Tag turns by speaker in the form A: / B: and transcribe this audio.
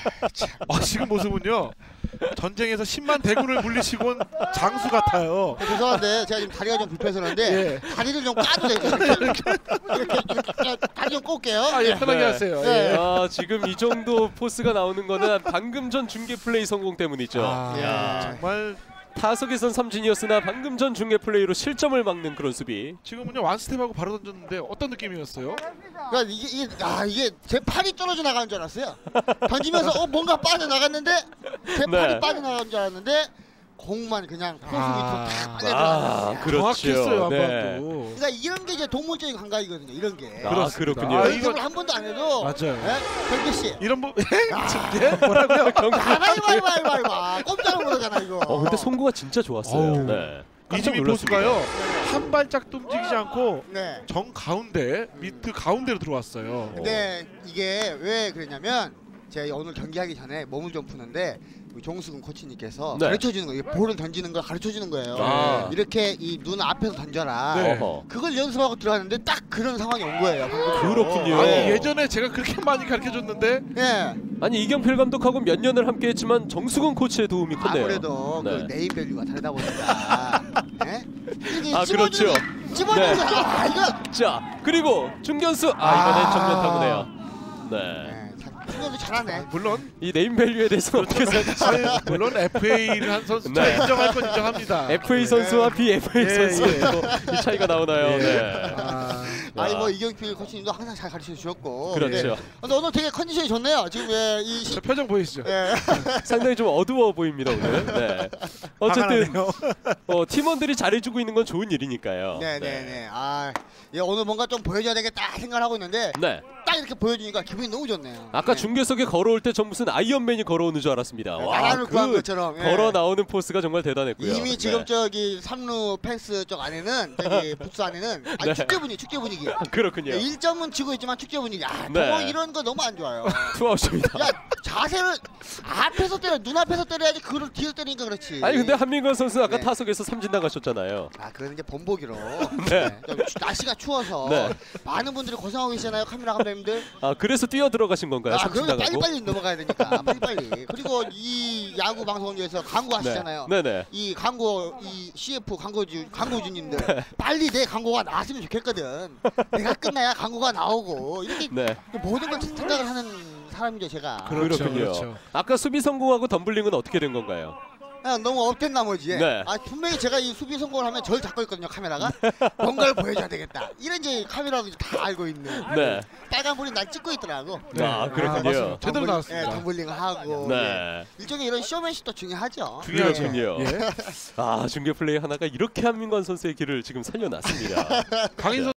A: 지금 모습은요. 전쟁에서 10만 대군을 물리치곤 장수 같아요.
B: 죄송한데 제가 지금 다리가 좀 불편해서 그런데
A: 예.
B: 다리를 좀 까도 돼요. 이렇게 다리 좀 꼴게요.
A: 예, 편하게
C: 네.
A: 하세요.
B: 네.
A: 예.
C: 지금 이 정도 포스가 나오는 거는 방금 전 중계 플레이 성공 때문이죠. 야.
A: 정말
C: 타석에선 삼진이었으나 방금 전 중계 플레이로 실점을 막는 그런 수비.
A: 지금은요 완스텝하고 바로 던졌는데 어떤 느낌이었어요?
B: 그러니까 이게 제 팔이 떨어져 나가는 줄 알았어요. 던지면서 뭔가 빠져 나갔는데 제 팔이 빠져 나가는 줄 알았는데 공만 그냥 포수 밑으로 탁 빠져들어가는.
A: 정확했어요
C: 네.
A: 한번도.
B: 그러니까 이런 게 이제 동물적인 감각이거든요. 이런 게.
C: 그렇군요.
B: 연습을 한 번도 안 해도.
A: 맞아요.
B: 경규 씨.
A: 이런 부 뭐라고요?
B: 아이고 꼼짝을 못하잖아 이거.
C: 근데 송구가 진짜 좋았어요.
A: 어우.
C: 네. 깜짝
A: 이지민
C: 놀랐습니다.
A: 포수가요 한 발짝도 움직이지 않고
B: 네.
A: 정 가운데 미트 가운데로 들어왔어요.
B: 근데 이게 왜 그러냐면 제가 오늘 경기하기 전에 몸을 좀 푸는데 우리 종수근 코치님께서
C: 네.
B: 가르쳐주는 거예요. 볼을 던지는 걸 가르쳐주는 거예요.
C: 아.
B: 이렇게 이 눈 앞에서 던져라.
A: 네.
C: 어허.
B: 그걸 연습하고 들어갔는데 딱 그런 상황이 온 거예요.
C: 그렇군요.
A: 아니 예전에 제가 그렇게 많이 가르쳐줬는데
B: 예.
C: 아니 이경필 감독하고 몇 년을 함께했지만 정수근 코치의 도움이 컸네요.
B: 아무래도
C: 네.
B: 그 네임 밸류가 다르다 보니까. 예?
C: 그렇죠.
B: 집어넣는
C: 네.
B: 이거.
C: 자 그리고 중견수 이번엔 정면 타구네요. 네.
B: 네. 중견수 잘하네.
A: 물론
C: 이 네임밸류에 대해서 어떻게 생각하세요?
A: 물론 FA를 한 선수
C: 네.
A: 인정할 건 인정합니다.
C: FA 선수와 BFA
A: 예,
C: 선수의
A: 예.
C: 또 이 차이가 나오나요?
A: 예.
C: 네.
B: 아니 뭐 이경필 코치님도 항상 잘 가르쳐 주셨고.
C: 그렇죠.
B: 근데 오늘 되게 컨디션이 좋네요. 지금
A: 저 표정 보이시죠?
B: 예.
C: 상당히 좀 어두워 보입니다 오늘. 네. 어쨌든 팀원들이 잘해주고 있는 건 좋은 일이니까요.
B: 네네네. 예, 오늘 뭔가 좀 보여줘야 되겠다 생각을 하고 있는데
C: 네.
B: 딱 이렇게 보여주니까 기분이 너무 좋네요.
C: 아까
B: 네.
C: 중계석에 걸어올 때 전 무슨 아이언맨이 걸어오는 줄 알았습니다. 와,
B: 나라를 구한 것처럼. 예.
C: 걸어 나오는 포스가 정말 대단했고요.
B: 이미 지금
C: 네.
B: 저기 3루 펜스 쪽 안에는 저기 부스 안에는
C: 네.
B: 축제 분위기.
C: 그렇군요.
B: 1점은 지고 있지만 축제 분위기.
C: 네.
B: 뭐 이런 거 너무 안 좋아요.
C: 투아웃입니다.
B: 야 자세를 앞에서 때려 눈앞에서 때려야지 그걸 뒤에서 때리니까 그렇지.
C: 아니 근데 한민건 선수 아까
B: 네.
C: 타석에서 삼진 나가셨잖아요.
B: 그건 이제 본보기로.
C: 네.
B: 좀 날씨가 추워서
C: 네.
B: 많은 분들이 고생하고 계시잖아요. 카메라 감독님들.
C: 그래서 뛰어 들어가신 건가요? 삼진
B: 그러면
C: 나가고?
B: 빨리빨리 넘어가야 되니까 빨리빨리. 그리고 이 야구 방송을 위해서 광고 하시잖아요.
C: 네네.
B: 이 광고 이 CF 광고주님들 빨리 내 광고가 나왔으면 좋겠거든. 내가 끝나야 광고가 나오고 이렇게
C: 네.
B: 모든 걸 생각을 하는 사람이죠 제가.
A: 그렇죠,
C: 그렇군요.
A: 그렇죠.
C: 아까 수비 성공하고 덤블링은 어떻게 된 건가요?
B: 너무 업된 나머지
C: 네.
B: 분명히 제가 이 수비 성공을 하면 저를 잡고 있거든요 카메라가. 뭔가를 보여줘야 되겠다 이런 이제 카메라도 다 알고 있는.
C: 네.
B: 빨간불이 날 찍고 있더라고.
C: 그렇군요.
A: 맞습니다. 제대로 나왔습니다.
B: 덤블링 하고.
C: 네.
B: 일종의 이런 쇼맨십도 중요하죠.
A: 중요하죠.
C: 그렇군요.
A: 예.
C: 중계 플레이 하나가 이렇게 한민건 선수의 길을 지금 살려놨습니다.
A: 강인